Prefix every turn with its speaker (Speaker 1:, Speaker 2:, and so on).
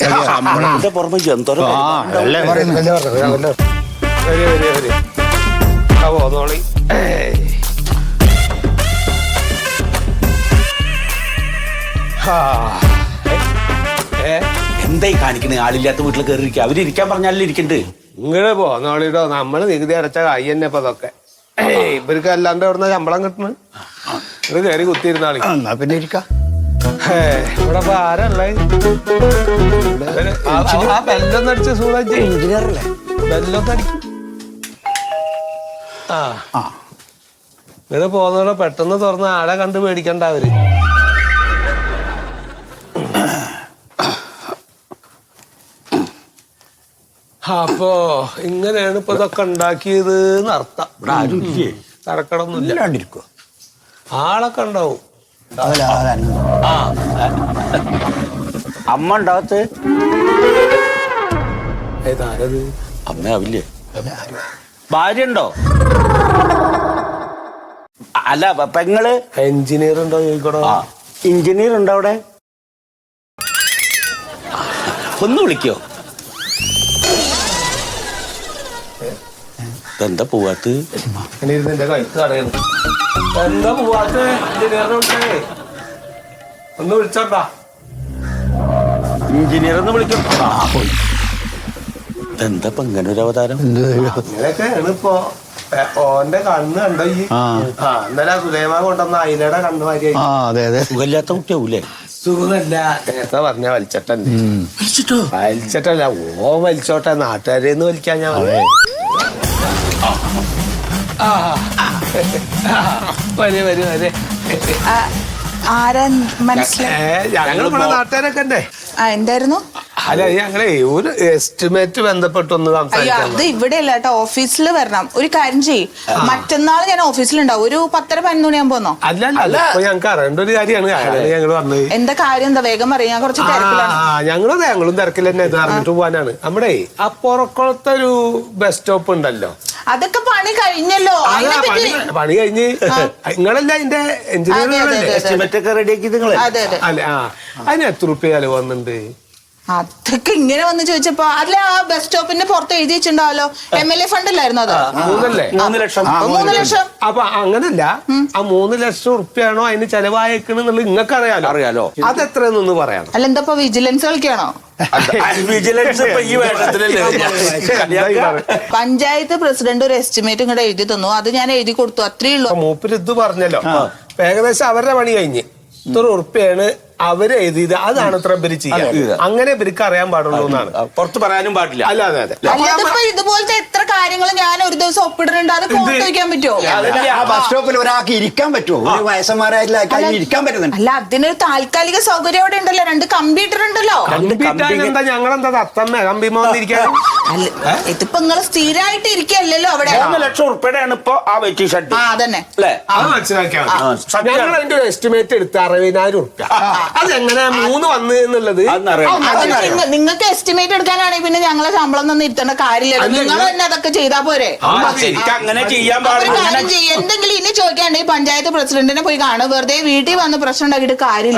Speaker 1: ശമ്പളത്തിന്റെ പുറമെ എന്തോരം
Speaker 2: പോന്നോളി.
Speaker 1: എന്തായി കാണിക്കണേ? ആളില്ലാത്ത വീട്ടിൽ കയറിയിരിക്കുക. അവരിയ്ക്കാൻ പറഞ്ഞാലും ഇരിക്കണ്ട്.
Speaker 2: ഇങ്ങടെ പോന്നോളിട്ടോ. നമ്മള് നികുതി അടച്ച കായ് തന്നെ ഇപ്പൊ അതൊക്കെ. ഇവർക്ക് അല്ലാണ്ട് എവിടുന്ന ശമ്പളം കിട്ടണ്? ഇത് കയറി കുത്തിയിരുന്നാളി.
Speaker 3: എന്നാ പിന്നെ ഇരിക്കാം.
Speaker 2: ഇവിടെ ഇപ്പൊ ആരല്ലേ? ആ ബെല്ലൊന്നും അടിച്ച് സൂടാജി.
Speaker 3: എഞ്ചിനീയറല്ലേ?
Speaker 2: ബെല്ലൊന്നും അടിക്കും. ഇവിടെ പോന്നോളെ പെട്ടെന്ന് തുറന്ന് ആളെ കണ്ട് പേടിക്കണ്ട അവര്. അപ്പോ ഇങ്ങനെയാണ് ഇപ്പൊ ഇതൊക്കെ ഉണ്ടാക്കിയത് അർത്ഥം.
Speaker 1: ഇവിടെ ആരും ഇല്ലേ?
Speaker 2: തരക്കടൊന്നുമില്ല. ആളൊക്കെ ഉണ്ടാവും.
Speaker 1: അമ്മ ഉണ്ടാകത്ത്
Speaker 2: ഏതാരത്?
Speaker 1: അമ്മ ആവില്ലേ? ഭാര്യ ഉണ്ടോ? അല്ല പെങ്ങള്
Speaker 2: എഞ്ചിനീയർ ഉണ്ടോ ചോദിക്കണോ?
Speaker 1: എഞ്ചിനീയർ ഉണ്ടോ അവിടെ? ഒന്ന് വിളിക്കോ? എന്താ പോവാത്ത്?
Speaker 2: എന്റെ കഴുത്ത് തടയുന്നു. എന്താ പോവാത്ത? എഞ്ചിനീയറിനെ വിളിച്ചേ. ഒന്ന് വിളിച്ചോണ്ടാ.
Speaker 1: എഞ്ചിനീയർ ഒന്ന് വിളിക്കും. എന്താ ഇപ്പൊ ഇങ്ങനെ ഒരു അവതാരം?
Speaker 2: അങ്ങനെയൊക്കെയാണ് ഇപ്പൊ. ഓന്റെ കണ്ണ് കണ്ടോ ഈ? ഇന്നലെ സുലൈമാ കൊണ്ടുവന്ന അയിലയുടെ കണ്ണ് മാതിരി.
Speaker 1: സുഖമില്ലാത്ത കുട്ടിയാവൂലേ?
Speaker 2: സുഖമല്ല. നേരത്തെ പറഞ്ഞ വലിച്ചട്ടല്ലേ? വലിച്ചിട്ടല്ല, ഓ വലിച്ചോട്ടെ. നാട്ടുകാരെന്ന് വലിക്കാൻ ഞാൻ
Speaker 4: ആരാ മനസ്സിലായി?
Speaker 2: ഞങ്ങളിവിടെ നാട്ടുകാരൊക്കെ ഉണ്ടേ.
Speaker 4: എന്തായിരുന്നു?
Speaker 2: അല്ല ഞങ്ങളെ ഒരു എസ്റ്റിമേറ്റ് ബന്ധപ്പെട്ടൊന്ന്
Speaker 4: അയ്യോ, അത് ഇവിടെ അല്ല കേട്ടോ, ഓഫീസിൽ വരണം. ഒരു കാര്യം ചെയ്യ്, മറ്റന്നാൾ ഞാൻ ഓഫീസിലുണ്ടാവും. ഒരു 10:30-11 മണിയാകുമ്പോ വന്നോ.
Speaker 2: അല്ല ഇപ്പൊ ഞങ്ങൾക്ക് അറിയേണ്ട ഒരു കാര്യമാണ് ഞങ്ങൾ വന്നത്.
Speaker 4: എന്താ കാര്യം? എന്താ വേഗം പറയാം, ഞാൻ കുറച്ച് തിരക്കിലാണ്.
Speaker 2: ഞങ്ങളും തിരക്കിൽ തന്നെ അറിഞ്ഞിട്ട് പോകാനാണ്. നമ്മുടെ ആ പുറക്കുളത്തെ ഒരു ബസ് സ്റ്റോപ്പ് ഉണ്ടല്ലോ,
Speaker 4: അതൊക്കെ പണി കഴിഞ്ഞല്ലോ.
Speaker 2: പണി കഴിഞ്ഞ് നിങ്ങളല്ല അതിന്റെ എഞ്ചിനീയർ
Speaker 1: എസ്റ്റിമേറ്റ് ഒക്കെ റെഡിയാക്കി നിങ്ങള്?
Speaker 2: അല്ലെ? അതിന് എത്ര റുപ്യ ചെലവ് വന്നിട്ടുണ്ട്?
Speaker 4: അതൊക്കെ ഇങ്ങനെ വന്ന് ചോദിച്ചപ്പോ അല്ല, ആ ബസ് സ്റ്റോപ്പിന്റെ പുറത്ത് എഴുതി വെച്ചിട്ടുണ്ടാവല്ലോ, MLA ഫണ്ട് അല്ലായിരുന്നു അത്?
Speaker 1: 3 ലക്ഷം.
Speaker 4: 3 ലക്ഷം.
Speaker 2: അപ്പൊ അങ്ങനല്ല, ആ 3 ലക്ഷം റുപ്യാണോ അതിന് ചെലവായേക്കണെന്നുള്ളത് നിങ്ങൾക്ക്
Speaker 1: അറിയാലോ.
Speaker 2: അതെത്രയെന്നൊന്ന് പറയാം.
Speaker 4: അല്ല, എന്താ ഇപ്പൊ വിജിലൻസ് കളിക്കാണോ?
Speaker 1: വിജിലൻസ് ഈ വേഷത്തിലല്ലേ?
Speaker 4: പഞ്ചായത്ത് പ്രസിഡന്റ് ഒരു എസ്റ്റിമേറ്റ് ഇങ്ങോട്ട് എഴുതി തന്നു, അത് ഞാൻ എഴുതി കൊടുത്തു, അത്രേ ഉള്ളൂ.
Speaker 2: മൂപ്പര് ഇത് പറഞ്ഞല്ലോ, ഏകദേശം അവരുടെ പണി കഴിഞ്ഞ് ഇത്ര ഉറുപ്പ്യാണ് അവര് എഴുതിയത്. അതാണ് ഇത്ര ഇവര് ചെയ്യുക. അങ്ങനെ ഇവർക്ക് അറിയാൻ പാടുള്ളൂ എന്നാണ്.
Speaker 1: പുറത്ത് പറയാനും പാടില്ല.
Speaker 2: അല്ല, അതെ.
Speaker 4: അല്ലാതിപ്പോ ഇതുപോലത്തെ എത്ര കാര്യങ്ങൾ ഞാൻ ഒരു ദിവസം ഒപ്പിടുന്നുണ്ട്, അത് ഫോട്ടോ വയ്ക്കാൻ പറ്റുമോ?
Speaker 3: ആ ബസ് സ്റ്റോപ്പിൽ ഒരാൾക്ക് ഇരിക്കാൻ പറ്റുമോ? ഒരു വയസ്സന്മാരായിട്ടുള്ള ഇരിക്കാൻ പറ്റുന്നുണ്ട്.
Speaker 4: അല്ല, അതിനൊരു താൽക്കാലിക സൗകര്യം അവിടെ ഉണ്ടല്ലോ, 2 കമ്പ്യൂട്ടർ ഉണ്ടല്ലോ.
Speaker 2: എന്താ ഞങ്ങളെന്താ തത്തമ്മ കമ്പിമ വന്നിരിക്കാൻ?
Speaker 4: അല്ല, ഇതിപ്പോ നിങ്ങള് സ്ഥിരമായിട്ട് ഇരിക്കല്ലോ അവിടെ.
Speaker 1: 3 ലക്ഷം ഉറുപ്പികയാണ് ഇപ്പൊ ആ വെയിറ്റിംഗ് ഷെഡ്.
Speaker 4: അതന്നെ.
Speaker 2: അത് മനസ്സിലാക്കിയാൽ ഞങ്ങൾ അതിന്റെ ഒരു എസ്റ്റിമേറ്റ് എടുത്ത് 60,000 ഉറുപ്പ്യ. അതെങ്ങനെ 3 വന്നു എന്നുള്ളത്
Speaker 4: നിങ്ങൾക്ക് എസ്റ്റിമേറ്റ് എടുക്കാനാണെങ്കിൽ പിന്നെ ഞങ്ങളെ ശമ്പളം ഒന്നും ഇരുത്തേണ്ട കാര്യമില്ല. നിങ്ങൾ തന്നെ അതൊക്കെ ചെയ്താ പോരെ?
Speaker 1: അങ്ങനെ ചെയ്യാൻ
Speaker 4: എന്തെങ്കിലും ഇനി ചോദിക്കാണ്ടെങ്കിൽ പഞ്ചായത്ത് പ്രസിഡന്റിനെ പോയി കാണും. വെറുതെ വീട്ടിൽ വന്ന് പ്രശ്നം ഉണ്ടാക്കിയിട്ട് കാര്യമില്ല.